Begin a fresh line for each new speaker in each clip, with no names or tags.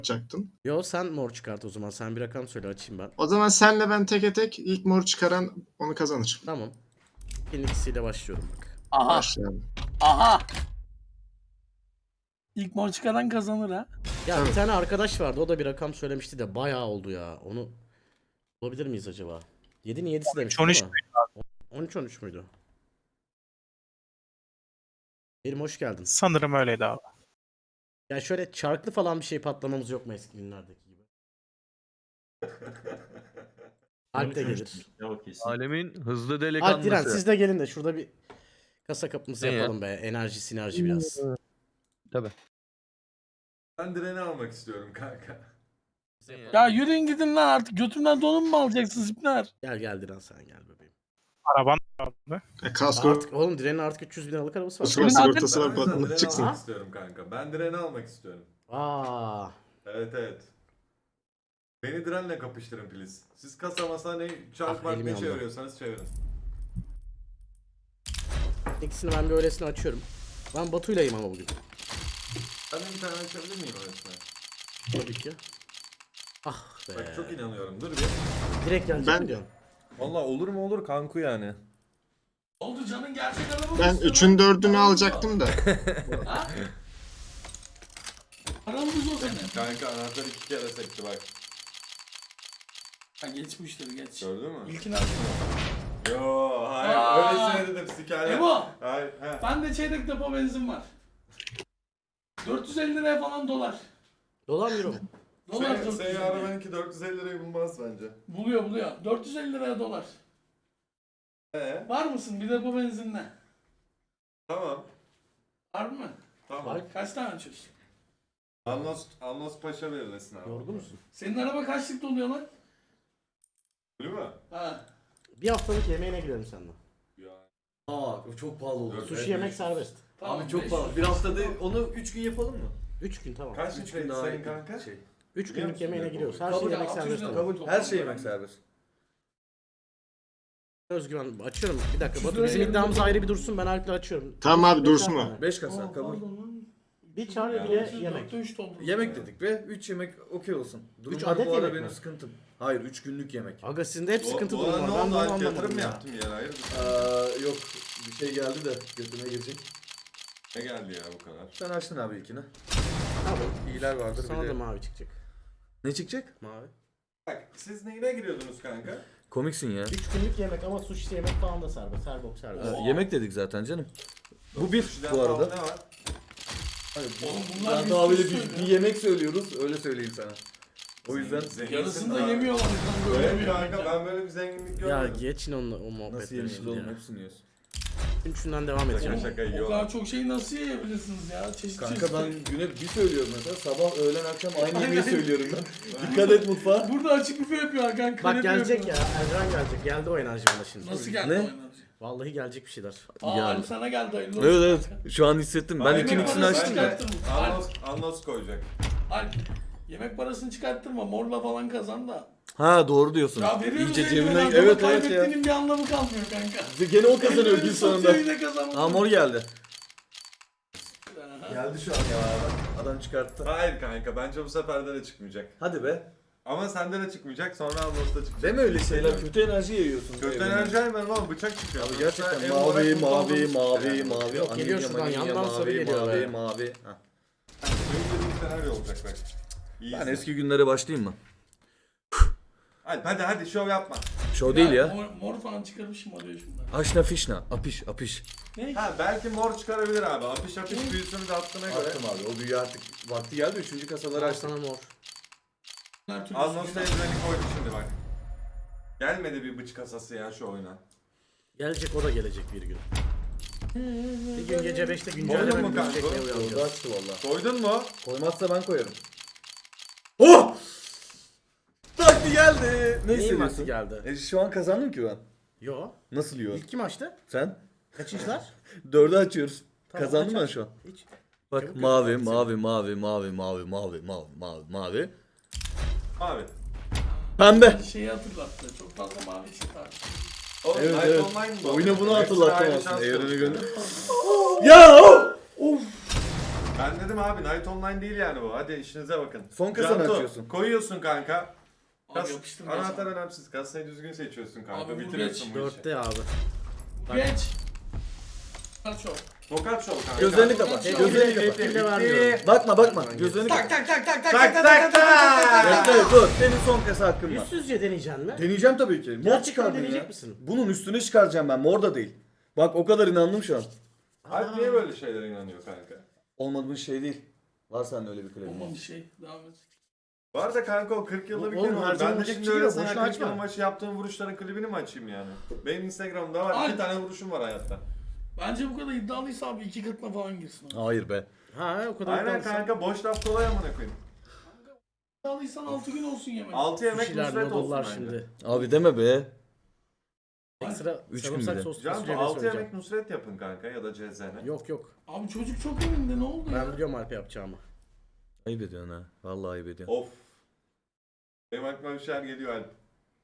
çıkartacaktın.
Yo sen mor çıkart o zaman. Sen bir rakam söyle açayım ben.
O zaman senle ben teke tek ilk mor çıkaran onu kazanır.
Tamam. İlk ikisiyle başlıyorum bak.
Aha.
Başlayalım.
Aha. İlk mor çıkaran kazanır ha.
Ya
Evet.
bir tane arkadaş vardı. O da bir rakam söylemişti de bayağı oldu ya. Onu bulabilir miyiz acaba? 7'nin 7'si demiş.
13
13 müydü? Benim hoş geldin.
Sanırım öyleydi abi.
Ya şöyle çarklı falan bir şey patlamamız yok mu eski günlerdeki gibi? Alp de gelir.
Yok kesin.
Alemin hızlı
Alp Diren
delikanlısı.
siz de gelin de şurada bir kasa kapımızı
Ne ya?
yapalım be. Enerji sinerji biraz.
Tabii.
Ben direni almak istiyorum kanka.
Ya yürüyün gidin lan artık. Götümden donum mu alacaksınız ipler?
Gel Diren sen gel bebeğim.
Araban abi.
Kasko
Artık oğlum Diren'in artık 300 bin liralık arabası var.
Sonra
Senin
sigortası
Ben
var
o yüzden
batmanlık
direni
çıksın.
almak istiyorum kanka. Ben direni almak istiyorum.
Aa.
Evet. Beni direnle kapıştırın please. Siz kasa masa ne çarp
Ah,
var
elim
ne
yandı.
çeviriyorsanız çevirin.
İkisini ben bir öylesine açıyorum. Ben Batu'ylayım ama bugün.
Ben de bir tane açabilir miyim öylesine?
Tabii ki. Ah be.
Bak çok inanıyorum. Dur bir.
Direkt gelecek
Ben-
mi diyorsun?
Valla olur mu olur kanku yani.
Oldu canın gerçek araba mı
Ben
istiyor
3'ün
lan?
4'ünü
Paramız
alacaktım da.
yok. Ha? Paramız o senin.
Kanka anahtar 2 kere sekti bak.
Ha geç bu işleri geç.
Gördün mü?
İlkini aç.
Yo hayır
Aa!
öylesine dedim sikerler.
Ebo.
Hayır he.
Ben de çeyrek depo benzin var. 450 liraya falan dolar.
Dolar mı euro mu?
Dolar
Senin
450 liraya.
arabanınki 450 lirayı bulmaz bence.
Buluyor. 450 liraya dolar. Var mısın bir depo benzinle?
Tamam.
Var mı?
Tamam.
Kaç tane açıyorsun?
Anlos Paşa verirsin abi.
Yorgun musun?
Senin araba kaçlık doluyor lan?
Öyle mi?
Ha.
Bir haftalık yemeğine gidelim seninle.
Ya.
Aa o çok pahalı oldu.
Evet.
Sushi yemek serbest.
Tamam,
Abi çok
500.
pahalı. Bir haftada onu 3 gün yapalım mı?
3 gün tamam.
Kaç
3
gün
gün daha
sayın
iyi.
kanka?
Şey.
3
Biliyor
günlük
musun
yemeğine
ya,
giriyoruz.
bu-
Her
Kabul
şey
ya,
yemek
600
serbest
lira.
ama.
Kabul. Her şey yemek serbest.
Özgüven açıyorum. Bir dakika Batu
Şuraya
bizim
yerim
iddiamız
yok.
ayrı bir dursun. Ben Alp'le açıyorum.
Tamam abi,
Beş
dursun
tane.
o.
5 kasa
Aa,
kabul.
pardon lan.
Bir çare
Ya.
bile yemek.
3 doldu.
Yemek dedik ve 3 yemek okey olsun. Durumlar
adet
bu arada
yemek
benim
mi?
sıkıntım. Hayır 3 günlük yemek.
Aga sizin de hep sıkıntı
Bu
durum
arada
var.
ne
Ben
oldu?
bunu
Alp
anlamadım
yatırım mı
ya.
yaptın yer hayır?
Yok bir şey geldi de götüme girecek.
Ne geldi ya bu kadar?
Sen açtın abi ilkini.
Tamam.
İyiler vardır
Sana
bir
da
de.
mavi çıkacak.
Ne çıkacak?
Mavi.
Bak siz neyine giriyordunuz kanka?
Komiksin ya.
3 günlük yemek ama sushi yemek falan da serbest. Her bok serbest.
Yemek dedik zaten canım. Bu bir
Sushi'den
bu arada.
pahalı Ne var?
Oğlum bunlar
Ben
bir
daha böyle
sürü
bir
söylüyor.
yemek söylüyoruz öyle söyleyeyim sana. O yüzden
Zenginsin
Yarısını da
abi.
yemiyorlar. kanka, öyle
Evet
bir
kanka
yemek.
ben böyle bir zenginlik
Ya
görmedim.
geçin o
nasıl
muhabbetleri
yemeyiz
şimdi
oğlum
ya.
hepsini yiyoruz.
Üçünden devam edeceğim.
Şaka
O
yiyorlar.
kadar çok şeyi nasıl yiyebilirsiniz ya? Çeşit
Kanka
çeşit.
ben güne bir söylüyorum mesela sabah öğlen akşam aynı
Aynen.
yemeği söylüyorum ben. Dikkat et mutfağa.
Burada açık büfe yapıyor kanka.
Bak
kanepe
gelecek ya.
yapıyor.
Erdoğan gelecek. Geldi o enerji bana şimdi.
Nasıl geldi
Ne?
o enerji?
Vallahi gelecek bir şeyler.
Aa
Yani.
Alp sana geldi hayırlı olsun.
Evet evet
kanka.
şu an hissettim. Ben
Aynen.
ikisini
Bence-
açtım ya.
Anlos koyacak.
Alp yemek parasını çıkarttırma. Morla falan kazan da.
Ha doğru diyorsun.
Ya veriyoruz
İyice
cebinden.
cebinden. Evet evet ya.
Kaybettiğinin bir anlamı kalmıyor kanka.
Gene o kazanıyor gün sonunda.
Satıyor yine kazanıyor.
Aa mor geldi.
Aha.
Geldi şu an ya. Adam çıkarttı.
Hayır kanka bence bu sefer de çıkmayacak.
Hadi be.
Ama sende de çıkmayacak sonra Anlos'ta çıkacak.
Deme öyle şeyler. Kötü enerji yayıyorsun.
Kötü
evrene.
enerji ayırmıyorum ama bıçak çıkıyor.
Abi gerçekten
Ev
mavi
olarak mutlu
mavi
olduğumuz
mavi
yani.
mavi.
Yok, geliyor
Anilya,
şuradan,
manilya,
yandan sarı
mavi,
geliyor
mavi
be.
mavi. Ha.
Benim dediğim senaryo olacak bak. İyi.
Ben eski günlere başlayayım mı?
Hadi şov yapma.
Show değil ya.
Mor falan çıkarmışım arıyor şimdi.
Aşna fişna. Apiş apiş.
Ne?
Ha belki mor çıkarabilir abi. Apış büyüsünü de attığına göre.
Attım abi. O büyü artık vakti geldi. 3. kasaları
Al
açtım.
sana mor.
Her türlü
Anlos'ta
sucuğu-
evreni koydu şimdi bak. Gelmedi bir bıç kasası ya şu oyuna.
Gelecek o da gelecek bir gün. Bir gün gece 5'te
Koydun
güncelleme
mu
videosu
kanka?
çekmeye
Orada
uyanacağız.
açtı valla.
Koydun mu?
Koymazsa ben koyarım. Oh! Vakti geldi. Ne
Neyin vakti
hissediyorsun?
geldi?
Şu an kazandım ki ben.
Yo.
Nasıl yiyor?
İlk kim açtı?
Sen?
Kaçıncılar?
4'ü açıyoruz.
Tamam,
Kazandım
aç,
ben
aç.
şu an.
Hiç.
Bak
Çabuk
mavi,
yapalım
mavi, mavi, mavi, mavi, mavi, mavi, mavi, mavi.
Abi.
Pembe.
Şeyi hatırlattı. Çok fazla mavi çıktı abi.
Oğlum,
Evet,
Night
evet.
Online bu.
Oyuna bunu
Hepsine
hatırlattım
ayrı
aslında.
şans
Evrene
tanıyor.
gönder. Ya! Of!
Ben dedim abi Night Online değil yani bu. Hadi işinize bakın.
Son kasanı
Cantu,
açıyorsun.
Koyuyorsun kanka.
Abi yapıştır.
Anahtar önemsiz. Kasayı düzgün seçiyorsun kanka.
Abi bu
Bitiriyorsun
geç.
bu işi.
4'te abi.
Geç. Kaç o?
Tokat şov kanka.
Gözlerini kapat.
Bitti,
Gözlerini
bitti,
kapat.
bitti, vermiyorum.
Bakma bakma.
Ben
Gözlerini
Tak
kapat.
tak tak tak
Tak tak tak.
Bekle dur. Senin son kasa hakkın var.
Yüzsüzce deneyeceksin mi?
Deneyeceğim tabii ki. Mor
Gerçekten
çıkardın
deneyecek
ya.
misin?
Bunun üstüne çıkaracağım ben. Mor da değil. Bak o kadar inandım şu an.
Alp niye böyle şeylere inanıyor kanka?
Olmadığın şey değil. Var sende öyle bir klibin.
Olmamış bir şey. Devam et.
Var da kanka o 40 yılda bir
Oğlum,
kere var. Ben de
harcanmayacak
şimdi
bir şey
öyle
yok,
sana
boşuna
40 yıl
açma.
maçı yaptığım vuruşların klibini mi açayım yani? Benim Instagram'da var.
Ay.
2 tane vuruşum var hayatta.
Bence bu kadar iddialıysa abi 2 katına falan girsin. Abi.
Hayır be.
Ha o kadar
Aynen
iddialısın.
kanka boş laf kolay amına koyayım.
İddialıysan 6 gün olsun yemek.
6 yemek
Sushi'ler,
nusret olsun
noodle'lar
bence.
şimdi.
Abi deme be.
Ekstra
Üç gün
sarımsak
bile.
soslu
Cantu
fasulye
6
söyleyeceğim.
yemek nusret yapın kanka ya da cezene.
Yok yok.
Abi çocuk çok önünde ne oldu ya?
Ben biliyorum Alp'e yapacağımı.
Ayıp ediyorsun ha. Vallahi ayıp ediyorsun.
Of. Benim aklıma bir şeyler geliyor Alp.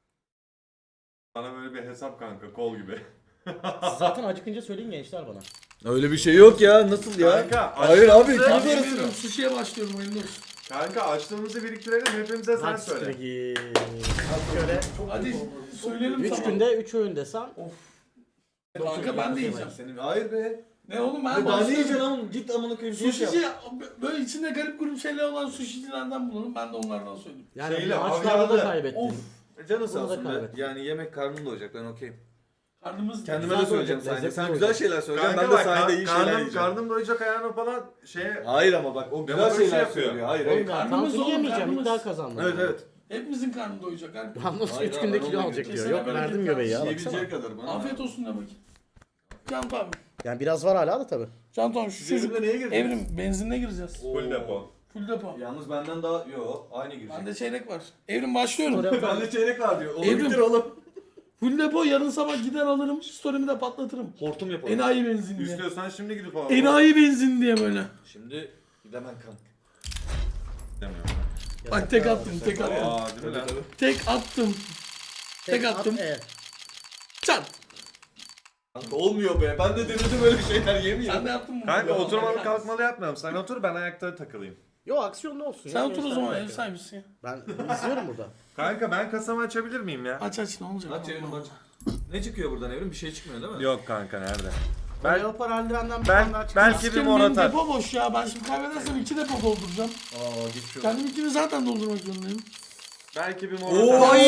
Sana böyle bir hesap kanka kol gibi.
Zaten acıkınca söyleyin gençler bana.
Öyle bir şey yok ya. Nasıl ya?
Kanka,
Hayır abi
açtığımızı-
ikimiz
Abi
arasında.
bilmiyorum sushi'ye başlıyorum hayırlı olsun.
Kanka açlığımızı biriktirelim hepimize sen
Hadi
söyle.
siktir git. Şöyle
Hadi söyleyelim
3
tamam.
günde 3 öğün desem.
Of. Kanka ben de yiyeceğim.
Senin hayır be.
Ne oğlum ben
Daha ne
başlıyorum.
yiyeceksin oğlum? Git amına koyayım. Geç yap.
Sushi'ci böyle içinde garip grup şeyler olan sushi'cilerden bulalım ben de onlardan söyleyeyim.
Yani
Şeyle,
maçlarda
avyalı.
da kaybettin.
Of.
Canı sağ
Bunu da
olsun be.
kaybettim.
Yani yemek karnım doyacak ben okeyim.
Karnımız
Kendime
Güzel
de söyleyeceğim
olacak,
sahne.
lezzetli
Sen
olacak.
güzel şeyler söyleyeceksin.
Kanka
Ben de
bak
sahnede iyi şeyler
karnım,
yiyeceğim.
karnım doyacak ayağına falan şeye...
Hayır ama bak o güzel
Demokrasi
şeyler
yapıyor.
söylüyor. Hayır
Oğlum
hayır.
ya
Karnımız
tantuni
oğlum,
yemeyeceğim
karnımız.
iddia kazandım.
Evet evet.
hepimizin karnı doyacak. Her...
Yalnız
Hayır
3
abi,
günde
ben
kilo
onu
alacak diyor.
Kesene
Yok
bereket
verdim göbeği ya baksana.
Yiyebileceği kadar bana.
Afiyet olsun de bakayım. Can abi.
Yani biraz var hala da tabi.
Can abi şu çocuk.
Evrimle neye girdin?
Evrim benzinle gireceğiz.
Full depo.
Full depo.
Yalnız benden daha... Yo aynı girecek.
Bende çeyrek var. Evrim başlıyorum.
Bende çeyrek var diyor. Onu
Evrim.
bitir oğlum.
Full depo yarın sabah gider alırım. Story'mi de patlatırım.
Hortum yapalım.
Enayi benzin diye.
İstiyorsan şimdi gidip al.
Enayi benzin diye böyle.
Şimdi gidemem kanka.
Demiyorum
Bak tek attım tek
ben.
attım.
Aa değil mi lan?
Tek attım. Tek attım. Çat.
Kanka olmuyor be. Ben de denedim öyle şeyler yemiyorum.
Sen de yaptın mı?
Kanka
Ya,
oturmalı
bak-
kalkmalı yapmıyorum. Sen otur ben ayakta takılayım.
Yo aksiyonlu olsun.
Sen
ya,
otur o
gençler
zaman
bak
ev
ya.
sahibisin ya.
Ben izliyorum burada.
Kanka ben kasamı açabilir miyim ya?
Aç aç ne olacak?
Aç Evrim aç. Ne çıkıyor buradan Evrim? Bir şey çıkmıyor değil mi?
Yok kanka nerede?
Ben Leopar Aldren'den bir
ben-
tane daha çıktım.
belki bir
Askerim
mor
benim
atar.
depo boş ya. Ben şimdi kaybedersem 2 depo dolduracağım.
Aa geçiyor.
Kendim 2'ni zaten doldurmak zorundayım.
Belki bir mor
Oo!
atar.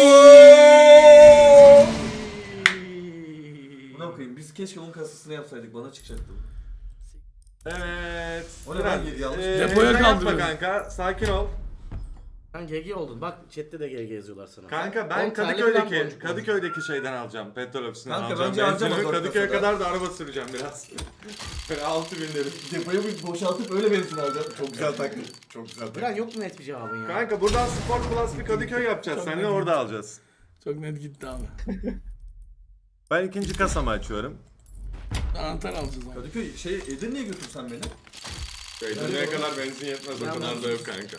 Buna koyayım. Biz keşke onun kasasını yapsaydık. Bana çıkacaktı.
Evet.
O ne lan? Yanlış.
Depoya
sen yapma
kaldırıyorum.
kanka. Sakin ol.
Sen GG oldun. Bak chatte de GG yazıyorlar sana.
Kanka ben
10 tane falan
Kadıköy'deki
boncuk
Kadıköy'deki şeyden alacağım. Petrol ofisinden
Kanka
alacağım.
bence harcama
Benzinimi
4
Kadıköy'e
kasada.
kadar da araba süreceğim biraz. Böyle 6000 lira.
Depoyu bir boşaltıp öyle benzin alacağım. Çok güzel taklit. Çok güzel
Biren yok mu net bir cevabın ya?
Kanka buradan Sport Plus bir Kadıköy yapacağız.
Çok
Seninle
net.
orada alacağız.
Çok net gitti abi.
Ben ikinci kasamı açıyorum.
Anahtar alacağız ama.
Kadıköy Edirne'ye götürsen beni.
Edirne'ye kadar benzin yetmez o
Ben
kadar
de-
da yok kanka.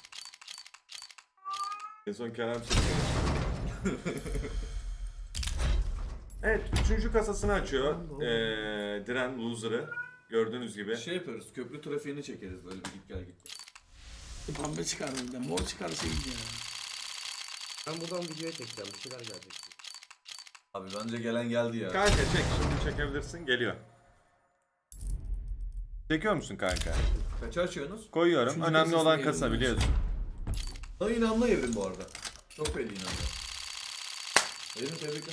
En son Kerem çekti. Evet, üçüncü kasasını açıyor. Diren Loser'ı. Gördüğünüz gibi.
Şey yaparız. Köprü trafiğini çekeriz böyle bir git gel git.
Pembe çıkar bir de. Mor çıkarsa iyi ya.
Ben buradan videoya çekeceğim. Bir şeyler gelecek.
Abi bence gelen geldi ya.
Kanka çek, şimdi çekebilirsin. Geliyor. Çekiyor musun kanka?
Kaça açıyorsunuz?
Koyuyorum.
Üçüncü
Önemli
kasasına
olan
girdim
kasa
ben.
biliyorsun.
Sana inanma Evrim bu arada. Çok belli inanma. Evrim tebrikler.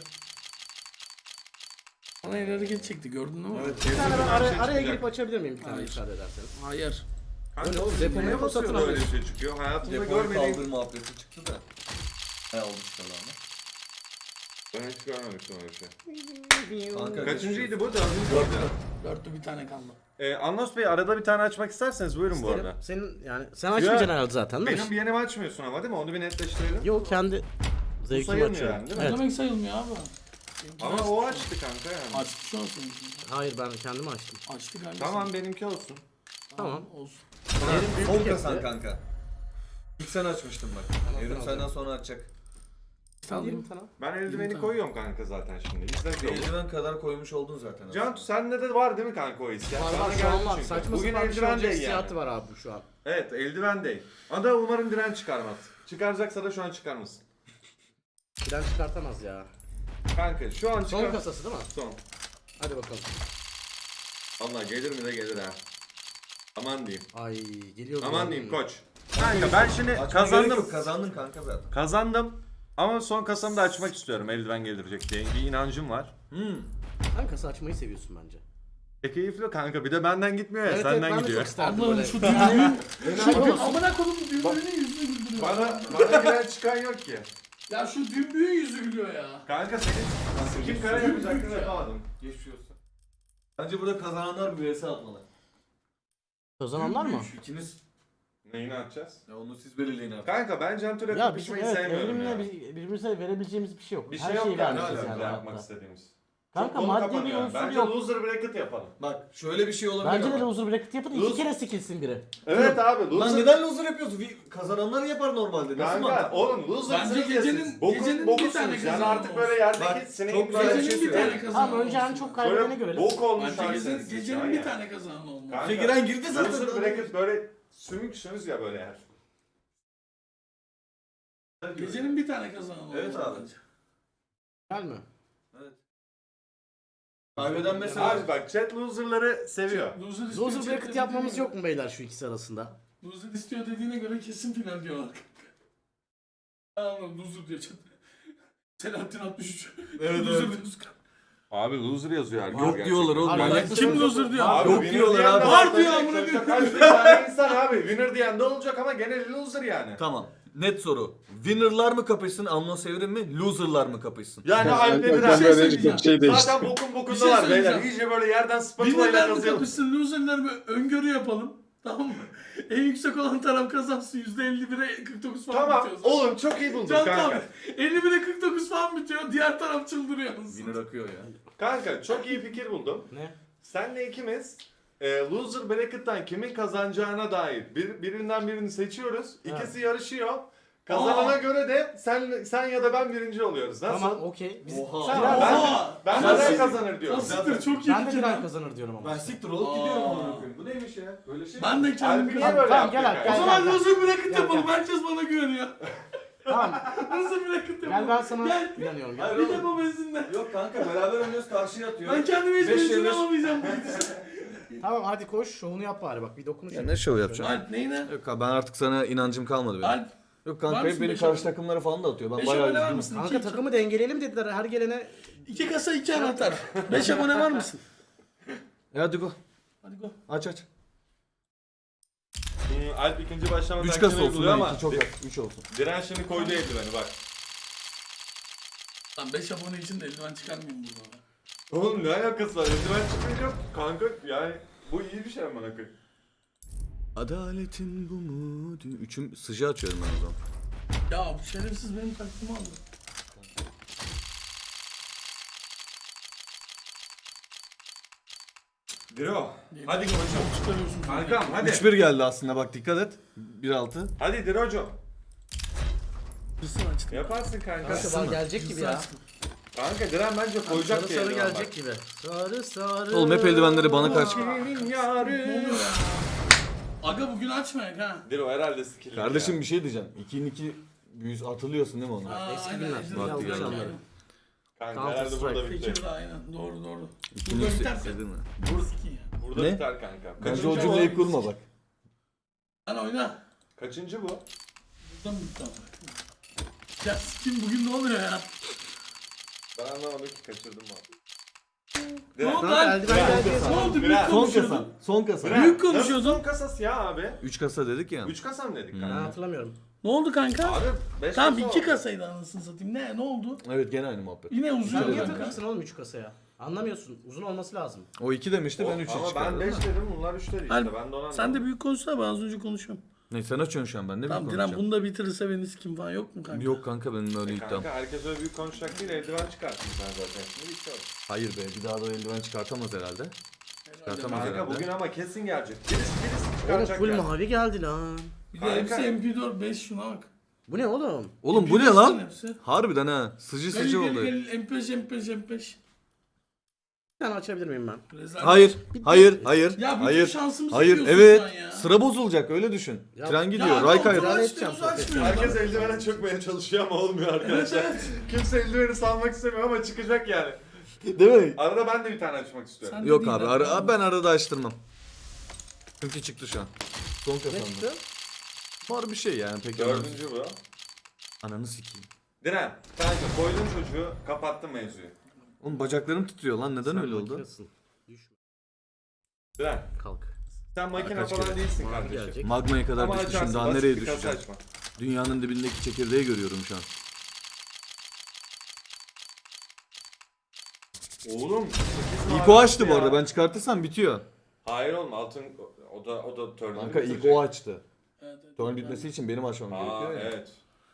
Bana el hareket çekti gördün değil mi?
Evet.
Bir tane ben
Kesin
araya,
şey
araya
çıkacak.
girip açabilir miyim bir tane
Hayır.
müsaade ederseniz?
Hayır.
Kanka
Öyle oğlum,
siz
depoya
neye
fırsatını
basıyorsun böyle bir
alıyorsun.
şey çıkıyor? Hayatımda
Depoyu
görmediğim...
kaldır muhabbeti çıktı da. Bayağı olmuş kalanlar.
Ben hiç görmemiştim öyle bir şey.
Kanka
Kaçıncıydı bu?
Dörtlü bir tane kaldı.
Anlos Bey arada bir tane açmak isterseniz buyurun bu arada.
Senin yani sen açmayacaksın herhalde zaten değil mi?
Benim bir yerimi açmıyorsun ama değil mi? Onu bir netleştirelim.
Yok kendi
Bu
zevkimi
sayılmıyor
açıyorum.
yani değil mi?
Ne
Evet.
demek sayılmıyor abi?
Ama o açtı kanka yani.
Açtı şu an senin.
Hayır ben kendimi açtım.
Açtı kardeşim.
Tamam benimki olsun.
Tamam.
Olsun.
Yerim büyük
Son
bir
kasan
kesti.
kanka. İlk sen açmıştın bak. Evrim
alacağım.
senden sonra açacak.
Alayım.
sana.
Ben eldiveni
Tamam.
koyuyorum kanka zaten şimdi. İzle yolu.
Eldiven kadar koymuş oldun zaten.
Cantu sende de var değil mi kanka o his? Yani
Var
sana
var şu
geldi
an var.
çünkü.
Saçma
Bugün
sapan bir şey
eldiven
olacak
değil
hissiyatı
yani.
var abi şu an.
Evet eldiven değil. Ada umarım diren çıkarmaz. Çıkaracaksa da şu an çıkarmasın.
Bilen çıkartamaz ya.
Kanka şu an
Son
çıkar.
kasası değil mi?
Son.
Hadi bakalım.
Allah gelir mi de gelir ha. Aman diyeyim.
Ay geliyor.
Aman diyeyim koç. Kanka ben şimdi
Kazandım. Kazandın kanka zaten.
Kazandım. Ama son kasamı da açmak istiyorum eldiven gelecek diye. Bir inancım var.
Sen kasa açmayı seviyorsun bence.
Keyifli kanka bir de benden gitmiyor ya
Evet,
senden
ben de
gidiyor.
çok isterdim
Allah'ım
böyle.
şu düğünün.
Enayi olmasın.
Amına kodum düğünün yüzünü güldürüyor.
Bana giren çıkan yok ki.
Ya şu dümbüğün yüzü gülüyor ya.
Kanka senin kim kara yapacaktın yapamadım.
Geçmiş olsun. Bence burada kazananlar bir vs atmalı.
Kazananlar mı?
İkiniz.
Neyini atacağız?
Ya onu siz belirleyin artık.
Kanka ben Cantu'yla
Ya bizim
kapışmayı
evet
sevmiyorum
evrimle
ya.
birbirimize verebileceğimiz bir şey yok.
Bir
Her
şey yok
şeyi
yani
vermişiz
hala
yani
yapmak
hayatta.
istediğimiz.
Kanka
Konu
maddi bir
kapanıyor.
unsur
Bence
yok.
loser bracket yapalım.
Bak şöyle bir şey olabilir
Bence de
ama.
loser bracket yapın iki
Loser-
kere sikilsin biri.
Evet abi loser.
Lan neden loser yapıyorsun? Kazananlar yapar normalde. Nasıl
Kanka
mantıklı?
oğlum losersınız
Bence
ya
gecenin-
siz. Bokun,
gecenin bir
bokusunuz
tane
yani
kazanan
artık
olsun.
böyle yerdeki
Bak,
sineğin
çok güzel bir
Gecenin
şey
bir tane
söyleyeyim.
kazanan
Tamam önce en
olsun.
çok kaybedeni
böyle
görelim.
bok olmuş
Bence
halsiniz
gecenin
ya.
bir tane kazanan olmalı.
Kanka,
Figiren girdi zaten.
Loser bracket böyle sümüksünüz ya böyle yer.
Gecenin bir tane kazanan olmalı.
Evet abi.
bence.
Gel mi?
Kaybeden mesela.
Abi bak chat loserları seviyor.
Loser istiyor,
Loser bracket
chatte
yapmamız
dediğine
yok mu beyler şu ikisi arasında?
göre- Loser istiyor dediğine göre kesin final diyorlar kanka. Anladım loser diyor chatte. Selahattin 63.
Evet,
Loser
evet.
diyorsun kanka.
Abi loser yazıyor herkes.
Yok diyorlar oğlum.
Abi,
Ben
ben-
Kim loser diyor?
Abi
Yok
winner
diyorlar
diyen
abi.
de
Var diyor
tabii.
amına
Sonuçta
koyayım.
Kaç bin tane insan abi. Winner diyen de olacak ama gene loser yani.
Tamam. Net soru. Winner'lar mı kapışsın, Amnos Evrim mi? Loser'lar mı kapışsın?
Yani Alp'le
Bir
biraz.
şey söyleyeceğim.
Zaten bokun
Bir şey
bokundalar beyler.
söyleyeceğim.
İyice böyle yerden spatula ile
Winner'lar mı
kazıyalım.
kapışsın, loser'lar mı öngörü yapalım. Tamam mı? En yüksek olan taraf kazansın. %51'e 49 falan
Tamam
bitiyor. zaten.
oğlum çok iyi buldun
Can
kanka.
tamam. 51'e 49 falan bitiyor. Diğer taraf çıldırıyor.
Winner akıyor ya.
Kanka çok iyi fikir buldum.
Ne?
Senle ikimiz loser bracket'tan kimin kazanacağına dair birinden birini seçiyoruz. İkisi yarışıyor. Kazanana
Aa.
göre de sen ya da ben birinci oluyoruz. Nasıl?
Tamam okey. Biz
Oha.
Sen-
Tamam,
Oha!
ben
Sen
Diren
siktir-
kazanır diyorum.
Sen siktir, çok iyi
ben de
fikir
Diren
lan.
kazanır diyorum ama.
Ben siktir olup
Aa.
gidiyorum amına koyayım. Bu neymiş ya? Böyle şey mi?
Ben de
Alp'i
kendim
niye
kazandım.
böyle
Tamam,
yaptık?
gel Alp,
yani?
O
gel.
zaman loser bracket
Gel,
yapalım.
gel.
Herkes bana güveniyor.
Tamam.
Loser bracket yapalım.
Gel ben sana
Gel.
inanıyorum. Gel.
Hayır
Bir
oğlum.
de bu benzinle.
Yok kanka beraber oynuyoruz karşıya atıyor.
Ben kendime hiç
Beş
benzin
yerine-
alamayacağım.
Tamam hadi koş şovunu yap bari bak bir dokunuş.
Ya ne şov yapacaksın?
Alp neyine?
Yok abi ben artık sana inancım kalmadı benim.
Alp.
Yok
Var
kanka hep
mısın
beni
beş
karşı
abone?
takımlara falan da atıyor. Ben
5
bayağı
abone var
üzgünüm.
mısın?
Kanka takımı dengeleyelim dediler her gelene.
2 kasa 2 anahtar. 5 abone var mısın?
Hadi go.
Hadi go.
Aç aç.
Alp ikinci başlama
3
taktiğini
kasa olsun
uyguluyor
lan
ama
2 çok az. 3 olsun.
Diren şimdi koydu eldiveni bak.
Lan 5 abone için de eldiven çıkarmayayım burada.
Oğlum ne alakası var? Eldiven çıkınca kanka yani bu iyi bir şey amına koyayım.
Adaletin bu mu? Üçüm sıcağı açıyorum ben o zaman.
Ya bu şerefsiz benim taktiğimi aldı.
Diro. Hadi koçum.
Çıkarıyorsun.
Kankam hadi.
3-1 geldi aslında bak dikkat et. 1-6.
Hadi Diro'cum.
Hırsını açtım.
Yaparsın kanka.
Kanka bana gelecek gibi ya.
Kanka Diren bence koyacak
Sarı
diye
sarı
eldiven
gelecek
bak.
gibi. Sarı sarı.
Oğlum hep eldivenleri bana kaç.
Kimin
Ne
yarı?
oluyor ya? Aga bugün açmayak ha.
Diro herhalde skill'li
Kardeşim
ya.
bir şey diyeceğim. 2'nin 2 büyüz hatırlıyorsun değil mi onu?
Aa,
Eski
aynen,
günler.
aynen.
Vakti
Yanlış
geldi.
anladım.
Kanka
Counter
herhalde burada
Strike.
bitti.
Fikir de aynen. Doğru doğru.
2'nin
Burada
2
biterse.
dedin mi?
Burası ki ya.
Burada
Ne?
biter kanka.
Bence o
Kaçıncı
cümleyi
bu?
kurma bak.
Lan oyna.
Kaçıncı bu?
Buradan mı bitti ama? Ya sikim bugün ne oluyor ya?
Ben anlamadım ki kaçırdım mı?
Ne oldu
Kanka
lan?
eldiven geldi.
Ne oldu? Büyük
Biraz.
Son
konuşuyordun.
kasa. Son kasa.
Diren,
Büyük
nasıl
konuşuyordun.
son kasası ya abi?
3 kasa dedik ya.
3 kasa mı dedik
Ben
kanka?
hatırlamıyorum.
Ne oldu kanka?
Abi 5
Tamam
kasa
2
oldu.
kasaydı anasını satayım. Ne oldu?
Evet gene aynı muhabbet.
Yine
Sen
uzuyor
niye
kanka.
takıyorsun oğlum 3 kasaya? Anlamıyorsun. Uzun olması lazım.
O 2 demişti ben 3'e
Ama ben
çıkardım.
5 dedim bunlar 3 dedi işte.
Alp,
Ben de ona
Sen de büyük konuşsana, ben az önce konuşuyorum.
Ne sen açıyorsun şu an ben ne
Tamam
bileyim
Diren bunu da bitirirse beni sikim falan yok mu kanka?
Yok kanka benim öyle iddiam.
Kanka herkes öyle büyük konuşacak değil eldiven çıkarttın sen zaten şimdi bitti o.
Hayır be bir daha da eldiven çıkartamaz herhalde. Çıkartamaz
Kanka
herhalde.
bugün ama kesin gelecek. Birisi
Oğlum
çıkaracak
full
yani.
mavi geldi lan.
Bir de
Kanka.
hepsi MP4 5 şuna bak.
Bu ne oğlum?
Oğlum bu ne
Biliyorsun
lan?
hepsi.
Harbiden ha. Sıcı
Gel
sıcı
gel
oldu.
gel M5.
Bir tane açabilir miyim ben?
Rezalet.
Hayır. Hayır.
Ya bütün
Hayır.
şansımızı
Hayır.
yiyorsun
Evet.
şu an ya.
Sıra bozulacak öyle düşün.
Ya-
Tren gidiyor.
Ya
Ray
kontrol
kaydı.
Müdahale
açmıyor,
edeceğim
açmıyor.
Herkes eldivene çökmeye çalışıyor ama olmuyor arkadaşlar. Kimse eldiveni salmak istemiyor ama çıkacak yani.
Değil mi?
Arada ben de bir tane açmak istiyorum.
Sen
Yok
dediğin
abi.
adam.
Ben arada açtırmam. Çünkü çıktı şu an. Son
Ne
kazandı.
çıktı?
Var bir şey yani pek önemli.
Dördüncü bu.
Ananı sikeyim.
Diren, kanka koydun çocuğu, kapattın mevzuyu.
Oğlum bacaklarım titriyor lan. Neden
Sen
öyle oldu?
makinesin. Düşme.
Diren,
Kalk.
sen makine
Kaç
falan
kere?
değilsin
Mavi
kardeşim.
gelecek.
Magmaya kadar
Ama
düşmüşüm.
açarsın,
Daha
basit
nereye
bir kasa
düşeceğim?
açma.
Dünyanın dibindeki çekirdeği görüyorum şu an.
Oğlum, 8
İlk
mavi
o açtı bu
ya.
arada. Ben çıkartırsam bitiyor.
Hayır oğlum, altın, o da törnünü
Kanka ilk
bitirecek.
o açtı.
Evet, evet,
Turn
evet.
bitmesi için benim açmam
Aa,
gerekiyor ya.
evet.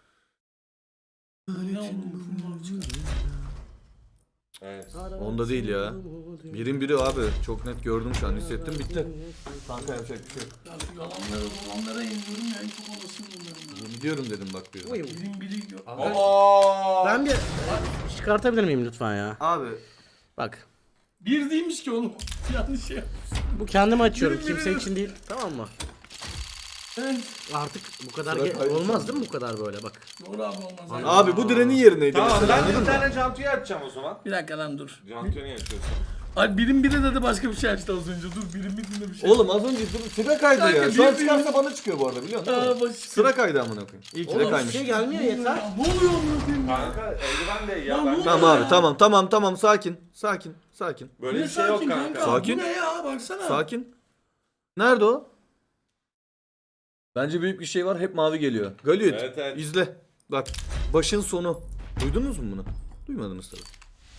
Ne oldu? Bunlar çıkar.
Evet.
Onda değil ya. Birin biri abi. Çok net gördüm şu an. Hissettim bitti. Kanka yapacak bir şey yok.
Ya şu yalanlara yeniliyorum ya. Çok olasın bunların.
Yemin ediyorum dedim bak bir.
Uyum.
Biri gör.
Aa!
Ben bir çıkartabilir miyim lütfen ya?
Abi.
Bak.
Bir değilmiş ki oğlum. Yanlış şey yapmışsın.
Bu kendime açıyorum.
Benim
Kimse
benim.
için değil. Tamam mı?
Evet.
Artık bu kadar
Sıra kaydı
olmaz değil mi bu kadar böyle bak.
Doğru abi olmaz.
Abi bu direnin yerineydi
Tamam,
mesela
ben
anladın
bir
mı?
tane Cantu'yu açacağım o zaman.
Bir dakika lan dur.
Cantu'yu niye açıyorsun?
Ay birim biri dedi başka bir şey açtı az önce. Dur birim birinde bir şey.
Oğlum az önce sıra kaydı
Kanka,
ya. Şu an
bir-
çıkarsa bana çıkıyor bu arada biliyor musun?
Aa, baş...
Sıra kaydı amına koyayım. İyi ki de
Oğlum bir
kaymış.
şey gelmiyor yeter.
Ya, ne oluyor amına koyayım ya?
Kanka eldiven de ya.
Lan
Ben
bu
Tamam
Ya.
abi tamam sakin. Sakin.
Böyle
Ne
bir şey yok
sakin
kanka.
Sakin.
Bu ne ya baksana.
Sakin. Nerede o? Bence büyük bir şey var. Hep mavi geliyor. Galiyet.
Evet.
İzle. Bak. Başın sonu. Duydunuz mu bunu? Duymadınız tabii.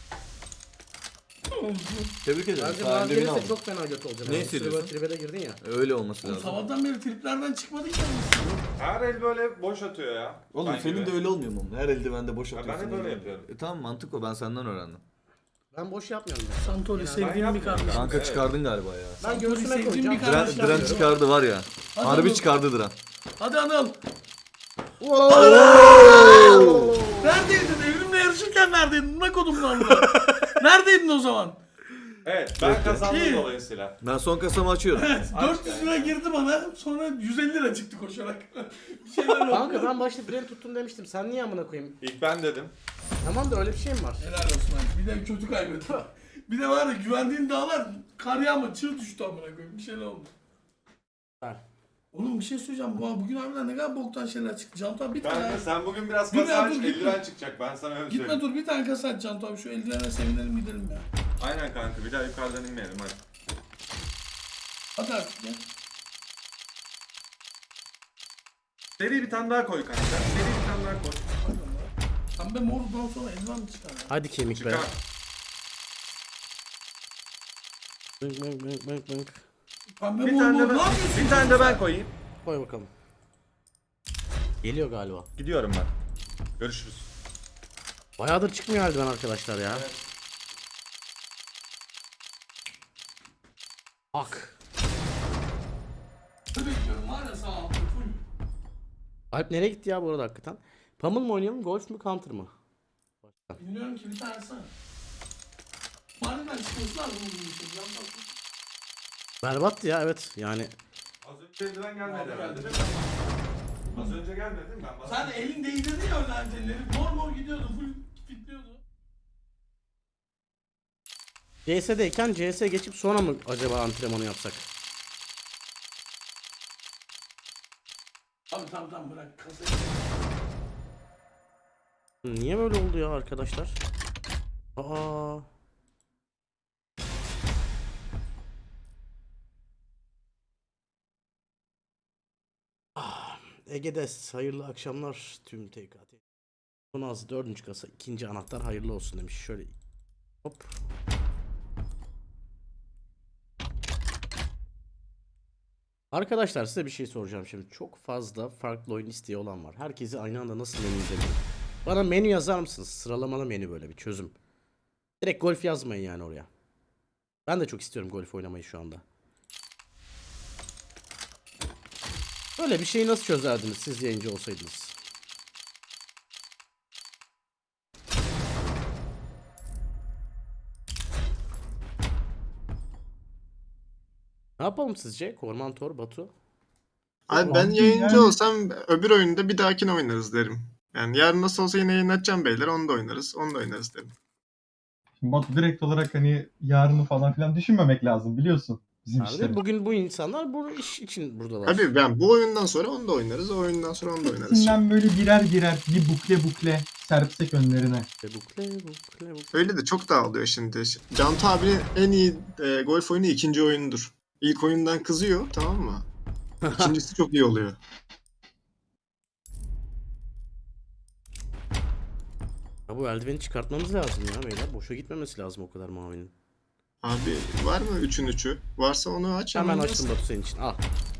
Tebrik ederim.
Bence
Sayende
mavi
beni
gelirse
aldın.
çok fena kötü olacak.
Ne
Yani
hissediyorsun?
Böyle tribe de girdin ya.
Öyle olması
Oğlum,
lazım.
sabahtan beri triplerden çıkmadık ya.
Her el böyle boş atıyor ya.
Oğlum
Ben
senin
gibi.
de öyle olmuyor mu? Her eldivende boş
Ha, ben
atıyorsun.
hep öyle
öyle.
yapıyorum.
Tamam mantık o. Ben senden öğrendim.
Ben boş yapmıyorum ya.
Santoli
ben
sevdiğim bir
yapmıyorum.
kardeşim.
Kanka
Evet.
çıkardın galiba ya.
Ben
Santoli
göğsüme
sevdiğim
koyacağım.
bir kardeşim.
Diren çıkardı var ya.
Hadi
Harbi
oğlum.
çıkardı Diren.
Hadi Anıl.
Oo!
Neredeydin? Evrimle yarışırken neredeydin? Ne kodum lan bu? Neredeydin o zaman?
Evet, ben kazandım
İyi.
dolayısıyla.
Ben son kasamı açıyorum.
Evet. 400 lira girdi bana. Sonra 150 lira çıktı koşarak. Bir şeyler oldu.
Kanka ben başta diren tuttum demiştim. Sen niye amına koyayım?
İlk ben dedim.
Tamam da öyle bir şey mi var?
Helal olsun abi. Bir de kötü kaybetti. Bir de var ya güvendiğin dağlar kar yağma çığ düştü amına koyayım. Bir şeyler oldu.
Ver.
Oğlum bir şey söyleyeceğim. Bugün harbiden ne kadar boktan şeyler çıktı. Cantu abi bir tane.
Kanka sen bugün biraz
Dur
kasa
ya,
aç,
dur, gitme.
eldiven çıkacak. Ben sana öyle
Gitme
söyleyeyim.
dur bir tane kasa aç Cantu abi. Şu eldivene sevinelim gidelim ya.
Aynen kanka, bir daha yukarıdan inmeyelim hadi.
Hadi artık ya.
Seri bir tane daha koy kanka. Seri bir tane daha koy.
Hadi lan. Pembe mordan sonra eldiven mi çıkar ya?
Hadi kemik be.
Çıkar.
Bınk bınk bınk bınk bınk.
Pembe
Bir
mor
tane
mor
de
ne
ben,
yapıyorsun?
bir tane de ben koyayım.
Koy bakalım. Geliyor galiba.
Gidiyorum ben. Görüşürüz.
Bayağıdır çıkmıyor eldiven arkadaşlar ya. Bak.
Ne bekliyorum var ya sağ ol. Full.
Alp nereye gitti ya bu arada hakikaten? Pummel mı oynayalım, golf mü, counter mı?
Bilmiyorum ki bir tanesi. Harbiden çıkması lazım bunun için. Cantu abi.
Berbattı ya evet yani.
Az önce eldiven gelmedi herhalde değil mi? Az önce gelmedi değil mi? Ben
Sen de elin değdirdi ya öyle antenleri. Mor mor gidiyordu. Full fitliyordu.
CS'deyken CS geçip sonra mı acaba antrenmanı yapsak?
Abi tamam bırak kasayı.
Niye böyle oldu ya arkadaşlar? Aa. Ege'des hayırlı akşamlar tüm TKT. Sonaz 4. kasa 2. anahtar hayırlı olsun demiş. Şöyle hop. Arkadaşlar size bir şey soracağım şimdi. Çok fazla farklı oyun isteği olan var. Herkesi aynı anda nasıl menü izleyelim? Bana menü yazar mısınız? Sıralamalı menü böyle bir çözüm. Direkt golf yazmayın yani oraya. Ben de çok istiyorum golf oynamayı şu anda. Böyle bir şeyi nasıl çözerdiniz siz yayıncı olsaydınız? Ne yapalım sizce? Kormantor, Batu.
Abi ben
Abi
yayıncı
yani-
olsam öbür oyunda bir dahakine oynarız derim. Yani yarın nasıl olsa yine yayınlatacağım beyler. Onu da oynarız. Onu da oynarız derim.
Şimdi Batu direkt olarak hani yarını falan filan düşünmemek lazım biliyorsun bizim
Abi
işleri.
bugün bu insanlar bu iş için buradalar.
Abi ben bu oyundan sonra onu da oynarız. O oyundan sonra onu da oynarız.
Hepsinden böyle birer birer bir bukle serpsek önlerine.
Bukle.
Öyle de çok dağılıyor şimdi. Cantu abinin en iyi golf oyunu ikinci oyunudur. İlk oyundan kızıyor, tamam mı? İkincisi çok iyi oluyor.
Ya bu eldiveni çıkartmamız lazım ya beyler. Boşa gitmemesi lazım o kadar mavinin.
Abi var mı 3'ün 3'ü? Varsa onu aç.
Hemen
yaz.
açtım Batu senin için. Al.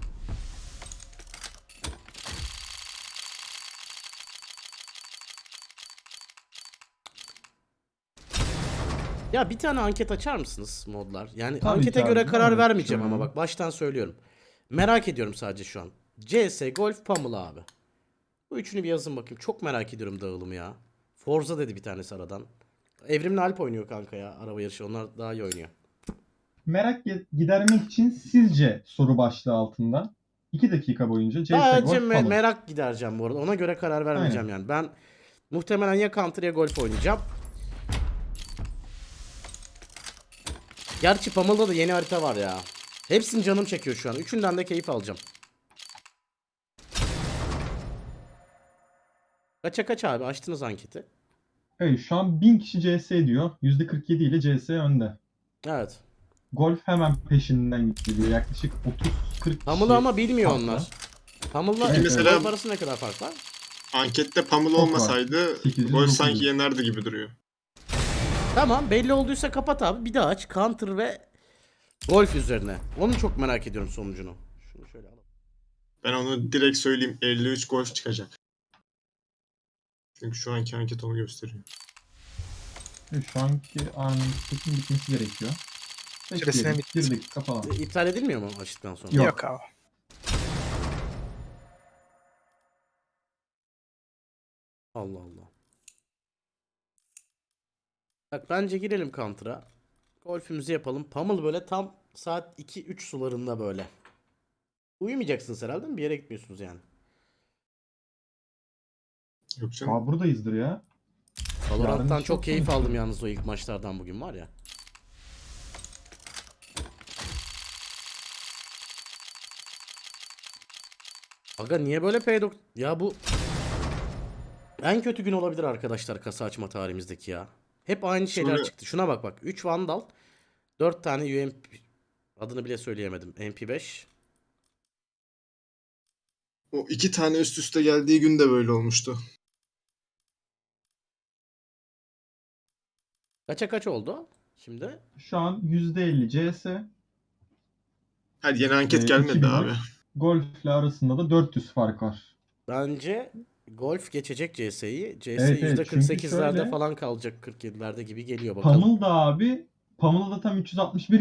Ya bir tane anket açar mısınız modlar? Yani
Tabii
ankete
ki
göre
abi,
karar
evet,
vermeyeceğim ama
şöyle.
bak baştan söylüyorum. Merak ediyorum sadece şu an. CS, Golf, Pamela abi. Bu üçünü bir yazın bakayım. Çok merak ediyorum dağılımı ya. Forza dedi bir tanesi aradan. Evrimli Alp oynuyor kanka ya. Araba yarışı. Onlar daha iyi oynuyor.
Merak gidermek için sizce soru başlığı altında 2 dakika boyunca CS
Sadece
Golf falan.
merak gidereceğim bu arada. Ona göre karar vermeyeceğim yani. Ben muhtemelen ya Counter ya Golf oynayacağım. Gerçi Pamela'da da yeni harita var ya. Hepsini canım çekiyor şu an. Üçünden de keyif alacağım. Kaça kaç abi? Açtınız anketi.
Evet şu an 1000 kişi CS diyor. %47 ile CS önde.
Evet.
Golf hemen peşinden gidiyor. Yaklaşık 30-40 kişi.
Pamela ama bilmiyor
farkla.
onlar. Pamela'la
Evet,
mesela-
Golf arasında ne kadar fark var?
Ankette Pamela
Çok var.
olmasaydı
800,
golf
900.
sanki yenerdi gibi duruyor.
Tamam belli olduysa kapat abi. Bir daha aç. Counter ve Golf üzerine. Onu çok merak ediyorum sonucunu. Şunu şöyle alalım.
Ben onu direkt söyleyeyim. 53 golf çıkacak. Çünkü şu anki anket onu gösteriyor.
Evet, şu anki anketin bitmesi gerekiyor.
Süresine
Bekleyelim.
bitti.
1 dakika falan.
İptal edilmiyor mu açtıktan sonra?
Yok.
Yok abi.
Allah Allah. Bak bence girelim Counter'a. Golfümüzü yapalım. Pummel böyle tam saat 2-3 sularında böyle. Uyumayacaksınız herhalde mi? Bir yere gitmiyorsunuz yani.
Yok canım.
Aa buradayızdır ya.
Valorant'tan
Yarın
çok
çok
keyif
konuşuruz.
aldım yalnız o ilk maçlardan bugün var ya. Aga niye böyle P90? Ya bu en kötü gün olabilir arkadaşlar kasa açma tarihimizdeki ya. Hep aynı şeyler
Sonra-
çıktı. Şuna bak bak. 3 Vandal, 4 tane UMP, adını bile söyleyemedim. MP5.
O 2 tane üst üste geldiği gün de böyle olmuştu.
Kaça kaç oldu şimdi?
Şu an %50 CS.
Hadi yeni anket
2
gelmedi
gün
abi.
var. Golf'le arasında da 400 fark var.
Bence Golf geçecek CS'yi. CS
Evet, evet.
%48'lerde
Çünkü şöyle-
falan kalacak 47'lerde gibi geliyor bakalım.
Pamela da abi. Pamela'da tam 361